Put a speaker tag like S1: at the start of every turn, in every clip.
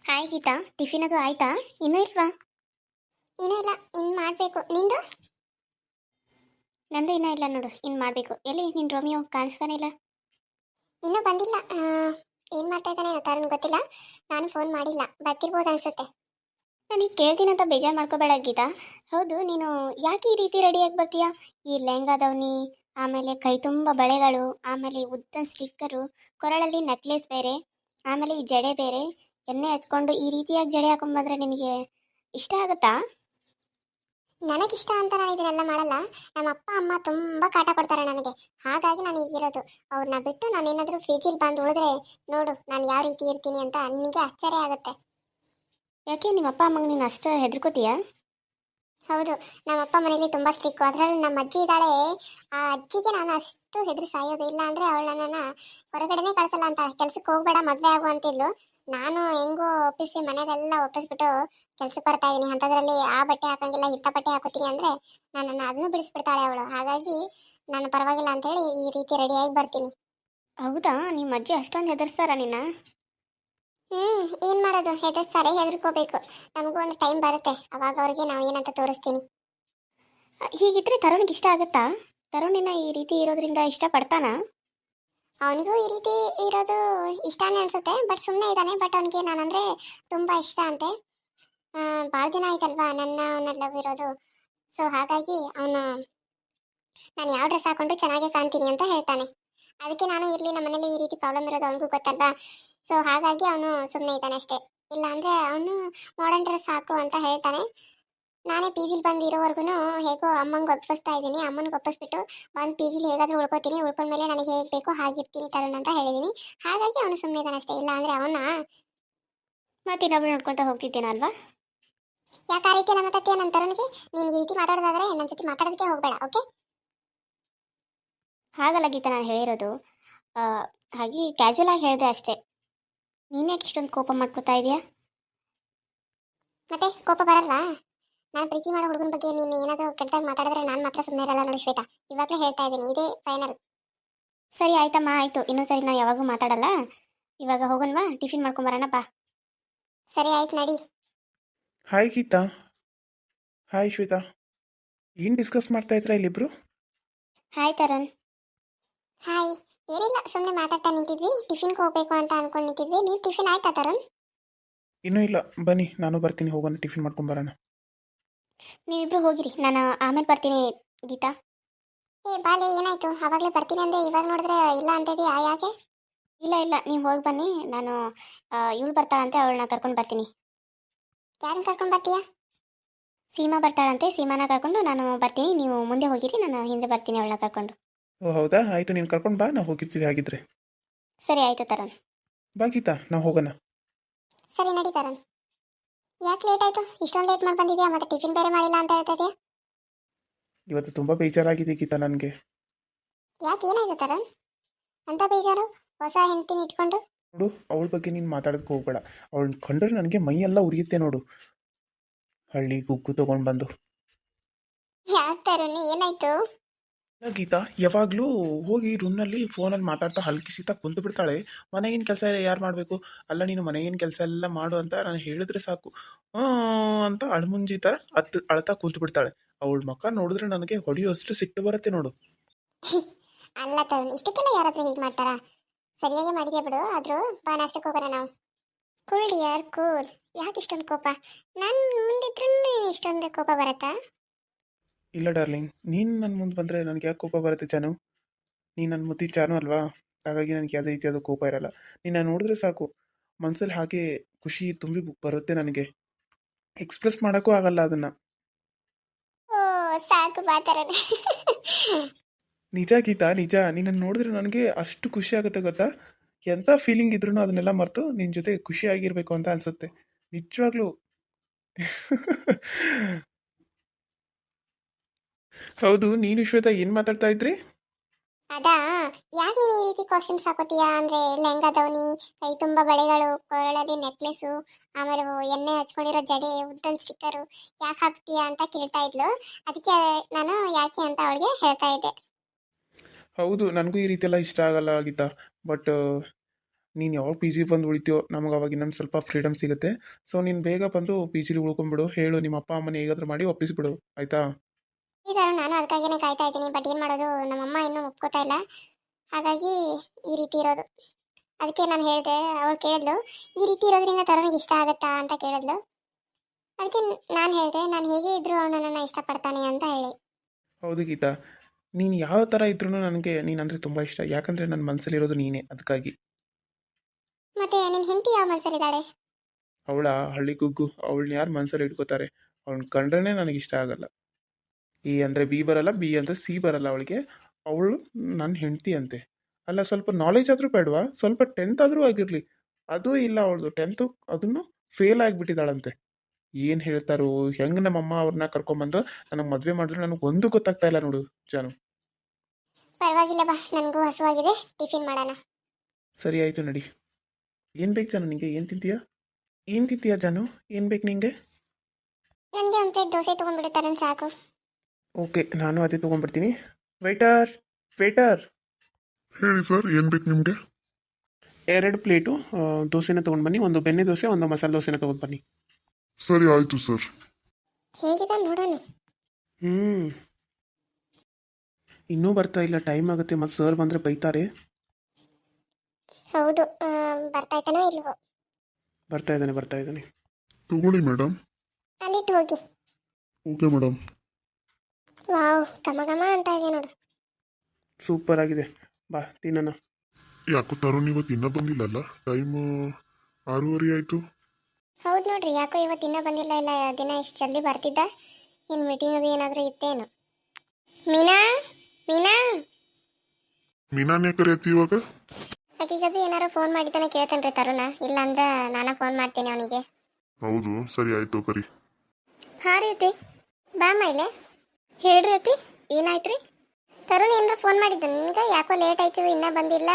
S1: Hi Geetha, tiffin ಅದು ಆಯ್ತಾ? ಇನ್ನೂ ಇಲ್ವಾ?
S2: ಏನೂ ಇಲ್ಲ, ಇನ್ನು ಮಾಡಬೇಕು. ನಿಂದು?
S1: ನಂದು ಇನ್ನೂ ಇಲ್ಲ ನೋಡು, ಇನ್ನು ಮಾಡಬೇಕು. ಎಲ್ಲಿ ನಿನ್ನ ರೋಮಿಯೋ ಕಾಣಿಸ್ತಾನೆ ಇಲ್ಲ?
S2: ಇನ್ನೂ ಬಂದಿಲ್ಲ. ಏನು ಮಾಡ್ತಾ ಇದ್ದಾನೆ ತರುಣ್ ಗೊತ್ತಿಲ್ಲ. ನಾನು ಫೋನ್ ಮಾಡಿಲ್ಲ, ಬರ್ತಿರ್ಬೋದು ಅನ್ಸುತ್ತೆ.
S1: ನನಗೆ ಕೇಳ್ತೀನಿ ಅಂತ ಬೇಜಾರು ಮಾಡ್ಕೋಬೇಡ ಗೀತಾ. ಹೌದು, ನೀನು ಯಾಕೆ ಈ ರೀತಿ ರೆಡಿಯಾಗಿ ಬರ್ತೀಯಾ? ಈ ಲೆಹಂಗಾದವನಿ, ಆಮೇಲೆ ಕೈ ತುಂಬ ಬಳೆಗಳು, ಆಮೇಲೆ ಉದ್ದ ಸ್ಟಿಕ್ಕರು, ಕೊರಳಲ್ಲಿ ನೆಕ್ಲೆಸ್ ಬೇರೆ, ಆಮೇಲೆ ಈ ಜಡೆ ಬೇರೆ, ಎಣ್ಣೆ ಹಚ್ಕೊಂಡು ಈ ರೀತಿಯಾಗಿ ಜಡೆ ಹಾಕೊಂಡ್ಬಂದ್ರೆ ನಿನಗೆ ಇಷ್ಟ ಆಗುತ್ತಾ?
S2: ನನಗಿಷ್ಟ ಅಂತ ನಾನು ಇದನ್ನೆಲ್ಲ ಮಾಡಲ್ಲ. ನಮ್ಮ ಅಪ್ಪ ಅಮ್ಮ ತುಂಬ ಕಾಟ ಕೊಡ್ತಾರೆ ನನಗೆ. ಹಾಗಾಗಿ ನಾನು ಈಗಿರೋದು. ಅವ್ರನ್ನ ಬಿಟ್ಟು ನಾನು ಏನಾದರೂ ಫಿಜಿಲ್ ಬಂದು ಉಳಿದ್ರೆ ನೋಡು ನಾನು ಯಾವ ರೀತಿ ಇರ್ತೀನಿ ಅಂತ ನಿನಗೆ ಆಶ್ಚರ್ಯ ಆಗುತ್ತೆ.
S1: ಯಾಕೆ ನಿಮ್ಮ ಅಪ್ಪ ಅಮ್ಮಂಗೆ ನೀನು ಅಷ್ಟು ಹೆದರ್ಕೋತೀಯಾ?
S2: ಹೌದು, ನಮ್ಮ ಅಪ್ಪ ಮನೇಲಿ ತುಂಬ ಸ್ಟ್ರಿಕ್ಕು. ಅದರಲ್ಲಿ ನಮ್ಮ ಅಜ್ಜಿ ಇದ್ದಾಳೆ. ಆ ಅಜ್ಜಿಗೆ ನಾನು ಅಷ್ಟು ಹೆದರಿ ಸಾಯೋದು. ಇಲ್ಲ ಅಂದರೆ ಅವಳು ನನ್ನನ್ನು ಹೊರಗಡೆನೇ ಕಳಿಸಲ್ಲ ಅಂತ, ಕೆಲ್ಸಕ್ಕೆ ಹೋಗಬೇಡ ಮದುವೆ ಆಗು ಅಂತಿದ್ಲು. ನಾನು ಹೆಂಗೋ ಒಪ್ಪಿಸಿ ಮನೆಯಲ್ಲೆಲ್ಲ ಒಪ್ಪಿಸ್ಬಿಟ್ಟು ಕೆಲ್ಸಕ್ಕೆ ಬರ್ತಾ ಇದ್ದೀನಿ. ಅಂಥದ್ರಲ್ಲಿ ಆ ಬಟ್ಟೆ ಹಾಕಂಗಿಲ್ಲ, ಇಂಥ ಬಟ್ಟೆ ಹಾಕೋತೀನಿ ಅಂದರೆ ನನ್ನನ್ನು ಅದನ್ನು ಬಿಡಿಸ್ಬಿಡ್ತಾಳೆ ಅವಳು. ಹಾಗಾಗಿ ನಾನು ಪರವಾಗಿಲ್ಲ ಅಂತೇಳಿ ಈ ರೀತಿ ರೆಡಿಯಾಗಿ ಬರ್ತೀನಿ.
S1: ಹೌದಾ, ನಿಮ್ಮ ಅಜ್ಜಿ ಅಷ್ಟೊಂದು ಹೆದರ್ಸ್ತಾರಾ ನಿನ್ನ?
S2: ಏನು ಮಾಡೋದು, ಹೆದರ್ಸ್ತಾರೆ, ಹೆದರ್ಕೋಬೇಕು. ನಮಗೂ ಒಂದು ಟೈಮ್ ಬರುತ್ತೆ, ಅವಾಗ ಅವ್ರಿಗೆ ನಾವು ಏನಂತ ತೋರಿಸ್ತೀನಿ.
S1: ಹೀಗಿದ್ರೆ ತರುಣ್ಗೆ ಇಷ್ಟ ಆಗುತ್ತಾ? ತರುಣಿನ ಈ ರೀತಿ ಇರೋದ್ರಿಂದ ಇಷ್ಟಪಡ್ತಾನಾ?
S2: ಅವನಿಗೂ ಈ ರೀತಿ ಇರೋದು ಇಷ್ಟನೇ ಅನ್ಸುತ್ತೆ. ಬಟ್ ಸುಮ್ಮನೆ ಇದ್ದಾನೆ. ಬಟ್ ಅವನಿಗೆ ನಾನಂದರೆ ತುಂಬ ಇಷ್ಟ ಅಂತೆ. ಭಾಳ ದಿನ ಆಯ್ತಲ್ವಾ ನನ್ನ ಅವನ ಲವ್ ಇರೋದು. ಸೊ ಹಾಗಾಗಿ ಅವನು ನಾನು ಯಾವ ಡ್ರೆಸ್ ಹಾಕೊಂಡ್ರು ಚೆನ್ನಾಗೇ ಕಾಣ್ತೀನಿ ಅಂತ ಹೇಳ್ತಾನೆ. ಅದಕ್ಕೆ ನಾನು ಇರಲಿ, ನಮ್ಮ ಮನೇಲಿ ಈ ರೀತಿ ಪ್ರಾಬ್ಲಮ್ ಇರೋದು ಅವನಿಗೂ ಗೊತ್ತಲ್ವಾ. ಸೊ ಹಾಗಾಗಿ ಅವನು ಸುಮ್ಮನೆ ಇದ್ದಾನೆ ಅಷ್ಟೇ. ಇಲ್ಲ ಅಂದರೆ ಅವನು ಮಾಡರ್ನ್ ಡ್ರೆಸ್ ಹಾಕು ಅಂತ ಹೇಳ್ತಾನೆ. ನಾನೇ ಪಿ ಜಿಲಿ ಬಂದು ಇರೋವರೆಗೂ ಹೇಗೋ ಅಮ್ಮಂಗೆ ಒಪ್ಪಿಸ್ತಾ ಇದ್ದೀನಿ. ಅಮ್ಮನಿಗೆ ಒಪ್ಪಿಸ್ಬಿಟ್ಟು ಬಂದು ಪಿ ಜಿಲಿ ಹೇಗಾದರೂ ಉಳ್ಕೋತೀನಿ. ಉಳ್ಕೊಂಡ್ಮೇಲೆ ನನಗೆ ಹೇಗೆ ಬೇಕೋ ಹಾಗಿರ್ತೀನಿ ತರುಣ್ ಅಂತ ಹೇಳಿದ್ದೀನಿ. ಹಾಗಾಗಿ ಅವನು ಸುಮ್ಮನೆ ಇದ್ದಾನೆ ಅಷ್ಟೇ. ಇಲ್ಲ ಅಂದರೆ ಅವನ
S1: ಮತ್ತೆ ಇನ್ನೊಬ್ರು ನೋಡ್ಕೊತಾ ಹೋಗ್ತಿದ್ದೇನಲ್ವಾ?
S2: ಯಾಕೆ ಆ ರೀತಿ ಎಲ್ಲ ಮಾತಾಡ್ತೀಯ ನನ್ನ ತರುಣಿಗೆ? ನೀನು ಈ ರೀತಿ ಮಾತಾಡೋದಾದ್ರೆ ನನ್ನ ಜೊತೆ ಮಾತಾಡೋದಕ್ಕೆ ಹೋಗಬೇಡ, ಓಕೆ?
S1: ಹಾಗಲ್ಲ ಗೀತಾ, ನಾನು ಹೇಳಿರೋದು ಹಾಗೆ ಕ್ಯಾಶುವಲ್ ಆಗಿ ಹೇಳಿದೆ ಅಷ್ಟೇ. ನೀನು ಯಾಕೆ ಇಷ್ಟೊಂದು ಕೋಪ ಮಾಡ್ಕೋತಾ ಇದೆಯಾ?
S2: ಮತ್ತೆ ಕೋಪ ಬರಲ್ವಾ? ನಾನು ಪ್ರೀತಿ ಮಾಡೋ ಹುಡುಗನ ಬಗ್ಗೆ ನೀನು ಏನಾದರೂ ಕೆಟ್ಟದಾಗಿ ಮಾತಾಡಿದ್ರೆ ನಾನು ಮಾತ್ರ ಸುಮ್ಮನೆ ಇರಲ್ಲ ನೋಡಿ ಶ್ವೇತಾ. ಇವಾಗಲೇ ಹೇಳ್ತಾ ಇದ್ದೀನಿ, ಇದೇ ಫೈನಲ್.
S1: ಸರಿ ಆಯ್ತಮ್ಮ, ಆಯಿತು. ಇನ್ನೊಂದು ಸರಿ ನಾನು ಯಾವಾಗೂ ಮಾತಾಡಲ್ಲ. ಇವಾಗ ಹೋಗೋಣವಾ? ಟಿಫಿನ್ ಮಾಡ್ಕೊಂಬರೋಣ ಬಾ.
S2: ಸರಿ ಆಯ್ತು, ನಡಿ.
S3: ಹಾಯ್ ಗೀತಾ. ಹಾಯ್ ಶ್ವೇತಾ. ಏನು ಡಿಸ್ಕಸ್ ಮಾಡ್ತಾ ಇದ್ರಾ ಇಲ್ಲಿಬ್ರು?
S1: ಹಾಯ್ ತರುಣ್.
S2: ಹಾಯ್. ಏನಿಲ್ಲ, ಸುಮ್ಮನೆ ಮಾತಾಡ್ತಾ ನಿಂತಿದ್ವಿ. ಟಿಫಿನ್ಗೆ ಹೋಗಬೇಕು ಅಂತ ಅನ್ಕೊಂಡು ನಿಂತಿದ್ವಿ. ನೀವು ಟಿಫಿನ್ ಆಯ್ತಾ ತರುಣ್?
S3: ಇನ್ನೂ ಇಲ್ಲ, ಬನ್ನಿ ನಾನು ಬರ್ತೀನಿ, ಹೋಗೋಣ ಟಿಫಿನ್ ಮಾಡ್ಕೊಂಬರೋಣ.
S1: ನೀವಿಬ್ರು ಹೋಗಿರಿ, ನಾನು ಆಮೇಲೆ ಬರ್ತೀನಿ ಗೀತಾ.
S2: ಏ ಬಾಲೆ, ಏನಾಯ್ತು? ಆವಾಗಲೇ ಬರ್ತೀನಿ ಅಂದೆ, ಇವಾಗ ನೋಡಿದ್ರೆ ಇಲ್ಲ ಅಂತ ಇದೆಯಾ, ಯಾಕೆ?
S1: ಇಲ್ಲ ಇಲ್ಲ, ನೀವು ಹೋಗಿ ಬನ್ನಿ. ನಾನು ಇವಳು ಬರ್ತಾಳಂತೆ, ಅವಳನ್ನ ಕರ್ಕೊಂಡು ಬರ್ತೀನಿ.
S2: ಯಾರನ್ನ ಕರ್ಕೊಂಡು ಬರ್ತೀಯಾ?
S1: ಸೀಮಾ ಬರ್ತಾಳಂತೆ, ಸೀಮಾನ ಕರ್ಕೊಂಡು ನಾನು ಬರ್ತೀನಿ. ನೀವು ಮುಂದೆ ಹೋಗಿರಿ, ನಾನು ಹಿಂದೆ ಬರ್ತೀನಿ ಅವಳನ್ನ ಕರ್ಕೊಂಡು.
S3: ಓ ಹೌದಾ, ಆಯಿತು, ನೀನು ಕರ್ಕೊಂಡು ಬಾ, ನಾವು ಹೋಗಿರ್ತೀವಿ ಹಾಗಿದ್ರೆ.
S1: ಸರಿ ಆಯಿತು ತರುಣ್.
S3: ಬಾ ಗೀತಾ, ನಾವು ಹೋಗೋಣ.
S2: ಸರಿ ನಡಿ ತರುಣ್. ಯಾಕೆ ಲೇಟ್ ಆಯಿತು? ಇಷ್ಟೊಂದು ಲೇಟ್ ಮಾಡಿ ಬಂದಿದ್ಯಾ, ಮತ್ತೆ ಟಿಫಿನ್ ಬೇರೆ ಮಾಡಿಲ್ಲ ಅಂತ ಹೇಳ್ತಾ ಇದೆಯಾ?
S3: ಇವತ್ತು ತುಂಬ ಬೇಜಾರಾಗಿದೆ ಗೀತಾ ನನಗೆ.
S2: ಯಾಕೆ, ಏನಾಯ್ತು ತರುಣ್? ಅಂತ ಬೇಜಾರು? ಹೊಸ ಹೆಂಡ್ತಿನ ಇಟ್ಕೊಂಡು?
S3: ನೋಡು, ಅವಳ ಬಗ್ಗೆ ನೀನು ಮಾತಾಡೋದಕ್ಕೆ ಹೋಗ್ಬೇಡ. ಅವಳನ್ನ ಕಂಡ್ರೆ ನನಗೆ ಮೈಯೆಲ್ಲ ಉರಿಯುತ್ತೆ ನೋಡು. ಹಳ್ಳಿ ಗುಗ್ಗು ತೊಗೊಂಡು ಬಂದು.
S2: ಯಾಕೆ ತರುಣ್, ಏನಾಯ್ತು?
S3: ಇಲ್ಲ ಗೀತಾ, ಯಾವಾಗಲೂ ಹೋಗಿ ರೂಮ್ನಲ್ಲಿ ಫೋನಲ್ಲಿ ಮಾತಾಡ್ತಾ ಹಲ್ಕಿಸಿತಾ ಕುಂತು ಬಿಡ್ತಾಳೆ. ಮನೆಗಿನ ಕೆಲಸ ಯಾರು ಮಾಡಬೇಕು? ಅಲ್ಲ, ನೀನು ಮನೆಗಿನ ಕೆಲಸ ಎಲ್ಲ ಮಾಡು ಅಂತ ನಾನು ಹೇಳಿದ್ರೆ ಸಾಕು, ಅಂತ ಅಳ್ಮುಂಜಿ ಥರ ಅಳ್ತಾ ಕುಂತು ಬಿಡ್ತಾಳೆ. ಅವಳ ಮಕ್ಕ ನೋಡಿದ್ರೆ ನನಗೆ ಹೊಡೆಯೋಷ್ಟು ಸಿಟ್ಟು ಬರುತ್ತೆ ನೋಡು.
S2: ಅಲ್ಲ ತರುಣ್, ಇಷ್ಟಕ್ಕೆಲ್ಲ ಯಾರಾದ್ರೂ ಹೀಗೆ ಮಾಡ್ತಾರಾ? ಸರಿಯಾಗಿ ಮಾಡಿದ್ಯಾ ಬಿಡು. ಆದರೂ ಬಾ, ನಾಷ್ಟಕ್ಕೆ ಹೋಗೋಣ ನಾವು. Cool dear, cool. ಯಾಕೆ ಇಷ್ಟೊಂದು ಕೋಪ? ನಾನು ಮುಂದಿದ್ರೂ ಇಷ್ಟೊಂದು ಕೋಪ ಬರುತ್ತಾ?
S3: ಇಲ್ಲ ಡಾರ್ಲಿಂಗ್, ನೀನು ನನ್ನ ಮುಂದೆ ಬಂದರೆ ನನಗೆ ಯಾಕೆ ಕೋಪ ಬರುತ್ತೆ ಜಾನು? ನೀನು ನನ್ನ ಮುದ್ದಿ ಜಾನು ಅಲ್ವಾ? ಹಾಗಾಗಿ ನನಗೆ ಯಾವುದೇ ರೀತಿಯಾದ ಕೋಪ ಇರಲ್ಲ. ನೀನು ನೋಡಿದ್ರೆ ಸಾಕು, ಮನಸ್ಸಲ್ಲಿ ಹಾಗೆ ಖುಷಿ ತುಂಬಿ ಬರುತ್ತೆ ನನಗೆ. ಎಕ್ಸ್ಪ್ರೆಸ್ ಮಾಡೋಕ್ಕೂ ಆಗಲ್ಲ ಅದನ್ನು.
S2: ಓ ಸಾಕು, ಬಾ ತರುಣ್.
S3: ನಿಜ ಗೀತಾ, ನಿಜ. ನಿನ್ನನ್ನು ನೋಡಿದ್ರೆ ನನಗೆ ಅಷ್ಟು ಖುಷಿ ಆಗುತ್ತೆ ಗೊತ್ತಾ? ಎಂಥ ಫೀಲಿಂಗ್ ಇದ್ರೂ ಅದನ್ನೆಲ್ಲ ಮರೆತು ನಿನ್ನ ಜೊತೆ ಖುಷಿಯಾಗಿರಬೇಕು ಅಂತ ಅನಿಸುತ್ತೆ ನಿಜವಾಗ್ಲೂ. ಹೌದು, ನೀನು ಶ್ವೇತಾ ಏನು ಮಾತಾಡ್ತಾ ಇದ್ರಿ?
S2: ಅದಾ, ಯಾಕೆ ನೀನು ಈ ರೀತಿ ಕಾಸ್ಟ್ಯೂಮ್ಸ್ ಹಾಕೋತೀಯಾ ಅಂದರೆ ಲೆಹಂಗಾದವನಿ, ಕೈ ತುಂಬ ಬಳೆಗಳು, ಕೊರಳಲ್ಲಿ ನೆಕ್ಲೆಸ್ಸು, ಆಮೇಲೆ ಎಣ್ಣೆ ಹಚ್ಕೊಂಡಿರೋ ಜಡೆ, ಉದ್ದನ್ ಸ್ಟಿಕ್ಕರು ಯಾಕೆ ಹಾಕ್ತೀಯಾ ಅಂತ ಕೇಳ್ತಾ ಇದ್ಲು. ಅದಕ್ಕೆ ನಾನು ಯಾಕೆ ಅಂತ ಅವಳಿಗೆ ಹೇಳ್ತಾ ಇದ್ದೆ.
S3: ಹೌದು, ನನಗೂ ಈ ರೀತಿ ಎಲ್ಲ ಇಷ್ಟ ಆಗಲ್ಲ ಗೀತಾ. ಬಟ್ ನೀನು ಯಾವಾಗ ಪಿ ಜಿ ಬಂದು ಉಳಿತೀಯೋ ನಮಗೆ ಅವಾಗ ಇನ್ನೊಂದು ಸ್ವಲ್ಪ ಫ್ರೀಡಮ್ ಸಿಗುತ್ತೆ. ಸೊ ನೀನು ಬೇಗ ಬಂದು ಪಿ ಜಿಲಿ ಉಳ್ಕೊಂಬಿಡು. ಹೇಳು ನಿಮ್ಮ ಅಪ್ಪ ಅಮ್ಮನ ಹೇಗಾದ್ರೂ ಮಾಡಿ ಒಪ್ಪಿಸ್ಬಿಡು, ಆಯಿತಾ?
S2: ಈಗ ನಾನು ಅದಕ್ಕಾಗಿನೇ ಕಾಯ್ತಾ ಇದ್ದೀನಿ, ಬಟ್ ಏನು ಮಾಡೋದು, ನಮ್ಮಮ್ಮ ಇನ್ನೂ ಒಪ್ಕೋತಾ ಇಲ್ಲ. ಹಾಗಾಗಿ ಈ ರೀತಿ ಇರೋದು. ಅದಕ್ಕೆ ನಾನು ಹೇಳಿದೆ, ಅವಳು ಕೇಳಿದ್ಲು ಈ ರೀತಿ ಇರೋದ್ರಿಂದ ತರುಣಿಗೆ ಇಷ್ಟ ಆಗುತ್ತಾ ಅಂತ ಕೇಳಿದ್ಲು. ಅದಕ್ಕೆ ನಾನು ಹೇಳಿದೆ, ನಾನು ಹೇಗೆ ಇದ್ರೂ ಅವನು ನನ್ನನ್ನು ಇಷ್ಟಪಡ್ತಾನೆ ಅಂತ ಹೇಳಿ.
S3: ಹೌದು ಗೀತಾ, ನೀನು ಯಾವ ಥರ ಇದ್ರೂ ನನಗೆ ನೀನಂದರೆ ತುಂಬ ಇಷ್ಟ. ಯಾಕಂದರೆ ನನ್ನ ಮನಸ್ಸಲ್ಲಿರೋದು ನೀನೇ, ಅದಕ್ಕಾಗಿ.
S2: ಮತ್ತೆ ನಿನ್ನ ಹೆಂಡತಿ ಯಾವ ಮನಸ್ಸಲ್ಲಿದ್ದಾಳೆ?
S3: ಅವಳ ಹಳ್ಳಿ ಗುಗ್ಗು, ಅವಳನ್ನ ಯಾರು ಮನಸ್ಸಲ್ಲಿ ಇಟ್ಕೋತಾರೆ? ಅವಳನ್ನ ಕಂಡ್ರೇ ನನಗೆ ಇಷ್ಟ ಆಗಲ್ಲ. ಎ ಅಂದರೆ ಬಿ ಬರಲ್ಲ, ಬಿ ಅಂದರೆ ಸಿ ಬರಲ್ಲ ಅವಳಿಗೆ. ಅವಳು ನನ್ನ ಹೆಂಡತಿ ಅಂತೆ. ಅಲ್ಲ, ಸ್ವಲ್ಪ ನಾಲೆಜ್ ಆದರೂ ಬೇಡವಾ? ಸ್ವಲ್ಪ 10th ಆದರೂ ಆಗಿರಲಿ. ಅದೂ ಇಲ್ಲ ಅವಳದು. 10th ಅದನ್ನು ಫೇಲ್ ಆಗಿಬಿಟ್ಟಿದ್ದಾಳಂತೆ. ಏನು ಹೇಳ್ತಾರೋ ಹೆಂಗೆ ನಮ್ಮಮ್ಮ ಅವ್ರನ್ನ ಕರ್ಕೊಂಬಂದು ನನಗೆ ಮದುವೆ ಮಾಡಿದ್ರು ನನಗೆ ಒಂದು ಗೊತ್ತಾಗ್ತಾ ಇಲ್ಲ ನೋಡು ಜಾನು.
S2: ಪರವಾಗಿಲ್ಲ ಬಾ, ನನಗೂ ಹಸುವಾಗಿದೆ, ಟಿಫಿನ್ ಮಾಡೋಣ.
S3: ಸರಿ ಆಯಿತು, ನಡಿ. ಏನು ಬೇಕು ಜಾನು ನಿಂಗೆ? ಏನು ತಿಂತೀಯಾ ಜಾನು? ಏನು ಬೇಕು ನಿಂಗೆ?
S2: ನನಗೆ ಒಂದು ಪ್ಲೇಟ್ ದೋಸೆ ತೊಗೊಂಡ್ಬಿಡುತ್ತಾರೆ ಸಾಕು.
S3: ಓಕೆ, ನಾನು ಅದೇ ತೊಗೊಂಡ್ಬರ್ತೀನಿ. ವೇಟರ್ ವೇಟರ್,
S4: ಹೇಳಿ ಸರ್, ಏನು ಬೇಕು ನಿಮಗೆ?
S3: 2 ಪ್ಲೇಟು ದೋಸೆನ ತೊಗೊಂಡ್ಬನ್ನಿ. ಒಂದು ಬೆಣ್ಣೆ ದೋಸೆ, ಒಂದು ಮಸಾಲೆ ದೋಸೆನ ತೊಗೊಂಡ್ಬನ್ನಿ.
S4: ಸರಿ ಆಯಿತು ಸರ್.
S2: ಹೇಗಿದೆ ನೋಡೋಣ.
S3: ಇನ್ನೂ ಬರ್ತಾ ಇಲ್ಲ, ಟೈಮ್ ಆಗುತ್ತೆ. ಮತ್ತು ಸರ್ ಬಂದರೆ ಬೈತಾರೆ.
S2: ಹೌದು, ಬರ್ತಾ ಇದ್ದಾನೋ ಇಲ್ವೋ?
S3: ಬರ್ತಾ ಇದ್ದಾನೆ.
S4: ತಗೊಳ್ಳಿ ಮೇಡಮ್.
S2: ಅಲ್ಲಿಟ್ಟು ಹೋಗಿ.
S4: Okay madam.
S2: ವಾವ್, ಘಮ ಘಮ ಅಂತ ಇದೆ ನೋಡು.
S3: ಸೂಪರ್ ಆಗಿದೆ, ಬಾ ತಿನ್ನೋಣ.
S4: ಯಾಕೋ ತರುಣ್ ಇವತ್ತು ಇನ್ನೂ ಬಂದಿಲ್ಲಲ್ಲ? ಟೈಮ್ 6:30 ಆಯಿತು.
S2: ಹೌದು ನೋಡ್ರಿ, ಯಾಕೋ ಇವತ್ತು ಇನ್ನೂ ಬಂದಿಲ್ಲ. ಇಲ್ಲ ದಿನ ಇಷ್ಟು ಜಲ್ದಿ ಬರ್ತಿದ್ದ. ಇನ್ನು ಮೀಟಿಂಗ್ ಅದು ಏನಾದರೂ ಇತ್ತೇನು? ಮೀನಾ ಮೀನಾ
S4: ಮೀನಾನೇ ಕರೆಯತ್ತಿ ಇವಾಗ?
S2: ಆಕಿಗದು ಏನಾರು ಫೋನ್ ಮಾಡಿದ್ದಾನೆ ಕೇಳ್ತೇನೆ ರೀ ತರುಣ. ಇಲ್ಲ ಅಂದ್ರೆ ನಾನು ಫೋನ್ ಮಾಡ್ತೀನಿ ಅವನಿಗೆ.
S4: ಹೌದು, ಸರಿ ಆಯಿತು ಕರಿ.
S2: ಹಾಂ ರೀ ಅತ್ತಿ, ಬಾ ಮೈಲೆ. ಹೇಳ್ರಿ ಅತ್ತಿ, ಏನಾಯ್ತು ರೀ? ತರುಣ್ ಏನಾರ ಫೋನ್ ಮಾಡಿದ್ದ ನಿನ್ಗೆ? ಯಾಕೋ ಲೇಟ್ ಆಯ್ತು, ಇನ್ನೂ ಬಂದಿಲ್ಲ.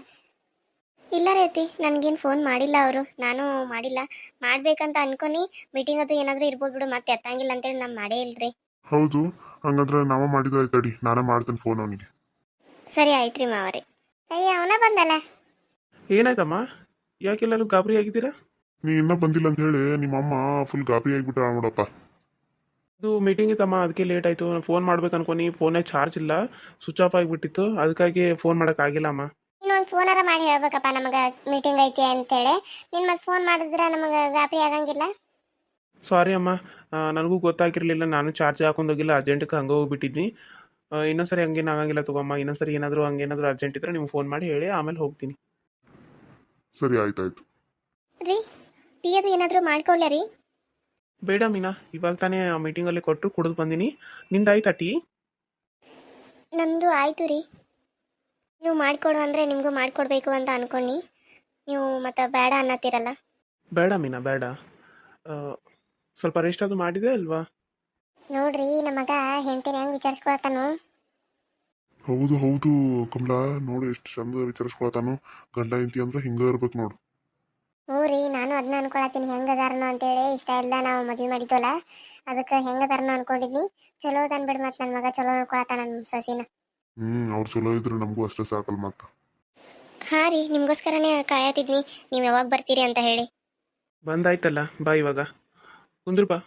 S2: ಇಲ್ಲ ರೀ ಅತ್ತಿ, ನನಗೇನು ಫೋನ್ ಮಾಡಿಲ್ಲ ಅವರು. ನಾನು ಮಾಡಿಲ್ಲ, ಮಾಡ್ಬೇಕಂತ ಅನ್ಕೊನಿ. ಮೀಟಿಂಗ್ ಅದು ಏನಾದರೂ ಇರ್ಬೋದು ಬಿಡು, ಮತ್ತೆ ಎತ್ತಂಗಿಲ್ಲ ಅಂತೇಳಿ ನಾನು ಮಾಡೇ ಇಲ್ರಿ.
S4: ಹೌದು, ಹಂಗಂದ್ರೆ ನಾವ ಮಾಡಿದ್ರೆ ತಡಿ, ನಾನೇ ಮಾಡ್ತೇನೆ ಫೋನ್ ಅವನಿಗೆ.
S2: ಸರಿ ಆಯ್ತು ರೀ ಮಾವರಿ. ಅಯ್ಯ, ಅವನ ಬಂದಲ್ಲ.
S3: ಏನಾಯ್ತಮ್ಮ? ಯಾಕೆಲ್ಲರೂ ಗಾಬರಿ ಆಗಿದ್ದೀರಾ?
S4: ನೀ ಇನ್ನೂ ಬಂದಿಲ್ಲ ಅಂತ ಹೇಳಿ ನಿಮ್ಮಮ್ಮ ಫುಲ್ ಗಾಬರಿ ಆಗಿಬಿಟ್ಟ ನೋಡಪ್ಪ.
S3: ಇದು ಮೀಟಿಂಗ್ ಇತ್ತಮ್ಮ, ಅದಕ್ಕೆ ಲೇಟ್ ಆಯಿತು. ನಾನು ಫೋನ್ ಮಾಡ್ಬೇಕು ಅನ್ಕೊನಿ, ಫೋನಾಗ ಚಾರ್ಜ್ ಇಲ್ಲ, ಸ್ವಿಚ್ ಆಫ್ ಆಗಿಬಿಟ್ಟಿತ್ತು. ಅದಕ್ಕಾಗಿ ಫೋನ್ ಮಾಡೋಕ್ಕಾಗಿಲ್ಲ ಅಮ್ಮ.
S2: ಇನ್ನೊಂದು ಫೋನಾರ ಮಾಡಿ ಹೇಳ್ಬೇಕಪ್ಪ ನಮಗೆ ಮೀಟಿಂಗ್ ಐತಿ ಅಂತೇಳಿ. ನಿನ್ನ ಮತ್ತೆ ಫೋನ್ ಮಾಡಿದ್ರೆ ನಮಗೆ ಗಾಬರಿ ಆಗಂಗಿಲ್ಲ.
S3: ಸಾರಿ ಅಮ್ಮ, ನನಗೂ ಗೊತ್ತಾಗಿರಲಿಲ್ಲ. ನಾನು ಚಾರ್ಜ್ ಹಾಕೊಂಡೋಗಿಲ್ಲ, ಅರ್ಜೆಂಟ್ಗೆ ಹಂಗೆ ಹೋಗ್ಬಿಟ್ಟಿದ್ನಿ. ಇನ್ನೊಂದ್ಸರಿ ಹಂಗೇನು ಆಗಂಗಿಲ್ಲ ತಗೊಮ್ಮ. ಇನ್ನೊಂದ್ಸರಿ ಏನಾದರೂ ಅರ್ಜೆಂಟ್ ಇದ್ದರೆ ನಿಮ್ಗೆ ಫೋನ್ ಮಾಡಿ ಹೇಳಿ, ಆಮೇಲೆ ಹೋಗ್ತೀನಿ.
S4: ಸರಿ ಆಯ್ತಾಯ್ತು.
S2: ರೀ, ಟೀ ಅದು ಏನಾದರೂ ಮಾಡ್ಕೊಳ್ಳ ರೀ?
S3: ಬೇಡ ಮೀನಾ, ಇವಾಗ ತಾನೇ ಮೀಟಿಂಗಲ್ಲಿ ಕೊಟ್ಟರು, ಕುಡಿದು ಬಂದೀನಿ. ನಿಂದಾಯ್ತಾ ಟೀ?
S2: ನಮ್ಮದು ಆಯಿತು ರೀ. ನೀವು ಮಾಡಿಕೊಡು ಅಂದರೆ ನಿಮಗೂ ಮಾಡಿಕೊಡ್ಬೇಕು ಅಂತ ಅನ್ಕೊಂಡು ನೀವು ಮತ್ತೆ ಬೇಡ ಅನ್ನತ್ತೀರಲ್ಲ.
S3: ಬೇಡ ಮೀನಾ, ಬೇಡ. ಸ್ವಲ್ಪ ರೆಸ್ಟ್ ಅದು ಮಾಡಿದೆ ಅಲ್ವಾ?
S2: ನೋಡ್ರಿ, ನಮಗ ಹೆಂಡತಿನ ಹೆಂಗೆ ವಿಚಾರಿಸ್ಕೊಳತ್ತಾನು.
S4: ಹೌದು ಹೌದು ಕಮಲಾ, ನೋಡು ಎಷ್ಟು ಚಂದ ವಿಚಾರಿಸ್ಕೊಳತಾನು. ಗಂಡ ಹೆಂಡತಿ ಅಂದ್ರೆ ಹಿಂಗೆ ಇರ್ಬೇಕು ನೋಡು.
S2: ಹ್ಞೂ ರೀ, ನಾನು ಅದನ್ನ ಅನ್ಕೊಳತ್ತೀನಿ, ಹೆಂಗದಾರನು ಅಂತೇಳಿ. ಇಷ್ಟ ಇಲ್ಲ ನಾವು ಮದುವೆ ಮಾಡಿದ್ವಲ್ಲ, ಅದಕ್ಕೆ ಹೆಂಗದಾರನು ಅನ್ಕೊಂಡಿದ್ನಿ. ಚಲೋ ಅನ್ಬಿಡ್, ಮತ್ತೆ ನನ್ನ ಮಗ ಚಲೋ ನೋಡ್ಕೊಳತ್ತ ನನ್ನ ಸೊಸಿನ.
S4: ಅವ್ರು ಚಲೋ ಇದ್ರೆ ನಮಗೂ ಅಷ್ಟೇ ಸಾಕಲ್ ಮತ್ತೆ.
S2: ಹಾಂ ರೀ, ನಿಮಗೋಸ್ಕರನೇ ಕಾಯತಿದ್ನಿ, ನೀವು ಯಾವಾಗ ಬರ್ತೀರಿ ಅಂತ ಹೇಳಿ.
S3: ಬಂದಾಯ್ತಲ್ಲ, ಬಾ ಇವಾಗ ಕುಂದ್ರು ಬಾ.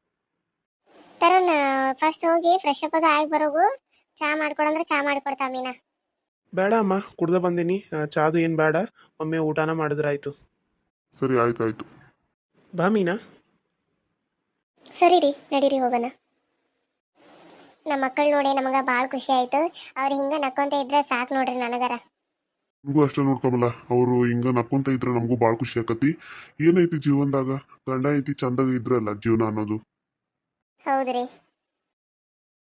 S2: ತರುಣ್, ಫಸ್ಟ್ ಹೋಗಿ ಫ್ರೆಶ್ ಅಪ್ ಅದು ಆಗಿ ಬರೋಗು. ಚಾ ಮಾಡ್ಕೊಡಂದ್ರೆ ಚಾ ಮಾಡಿಕೊಡ್ತಾ ಮೀನಾ.
S3: ಬೇಡ ಅಮ್ಮ, ಕುಡ್ದು ಬಂದೀನಿ. ಚಾದು ಏನು ಬೇಡ, ಒಮ್ಮೆ ಊಟನ ಮಾಡಿದ್ರಾಯ್ತು.
S4: ಸರಿ ಆಯ್ತಾಯ್ತು.
S3: ಬಾ ಮೀನಾ.
S2: ಸರಿ ರೀ, ನಡೀರಿ ಹೋಗೋಣ. ನಮ್ಮ ಮಕ್ಕಳು ನೋಡಿ ನಮಗೆ ಭಾಳ ಖುಷಿ ಆಯಿತು. ಅವ್ರು ಹಿಂಗೆ ನಕ್ಕೊಂತ ಇದ್ರೆ ಸಾಕು ನೋಡ್ರಿ ನನಗರ.
S4: ನಮಗೂ ಅಷ್ಟೇ ನೋಡ್ಕೊಬಲ್ಲ, ಅವರು ಹಿಂಗ ನಕ್ಕೊಂತ ಇದ್ರೆ ನಮಗೂ ಭಾಳ ಖುಷಿ ಆಕತಿ. ಏನೈತಿ ಜೀವನದಾಗ, ಗಂಡ ಐತಿ ಚಂದಾಗ ಇದ್ರಲ್ಲ ಜೀವನ ಅನ್ನೋದು.
S2: ಹೌದ್ರಿ.